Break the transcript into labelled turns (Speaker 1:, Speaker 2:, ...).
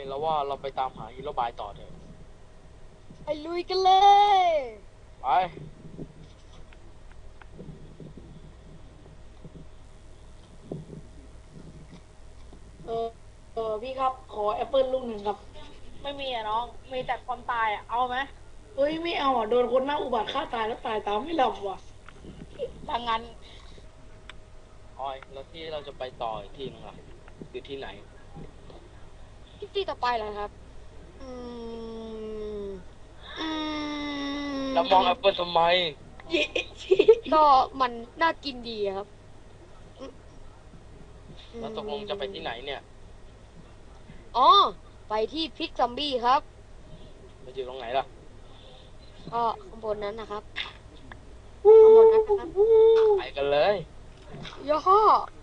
Speaker 1: แล้วว่าเราไปตามหาฮีโร่บายต่อเถอะ
Speaker 2: ไปลุยกันเลย
Speaker 1: ไป
Speaker 3: เออพี่ครับขอแอปเปิลลูกหนึ่งครับ
Speaker 2: ไม่มีอะน้อง มีแต่ความตายอะเอาไหม
Speaker 3: เฮ้ยไม่เอาอ่ะโดนคนหน้าอุบัติฆ่าตายแล้วตายตามไม่หลับว่ะ
Speaker 2: ดังนั้น
Speaker 1: ออยแล้วที่เราจะไปต่ออีกทีนึงล่ะอยู่ที่ไหน
Speaker 2: ที่ต่อไปเหรอครับ อืมอืม
Speaker 1: แล้วมองแอปเปิลทำไม
Speaker 3: เย้
Speaker 2: ก็มันน่ากินดีอะครับ
Speaker 1: แล้วตกลงจะไปที่ไหนเนี่ย
Speaker 2: อ๋อ ไปที่พิกซอมบี้ครับ
Speaker 1: มันอยู่ตรงไหนล่ะ
Speaker 2: ก็ข้างบนนั้นนะครับ ข้างบนนั้นนะครับ
Speaker 1: ไปกันเลย
Speaker 2: ย่อ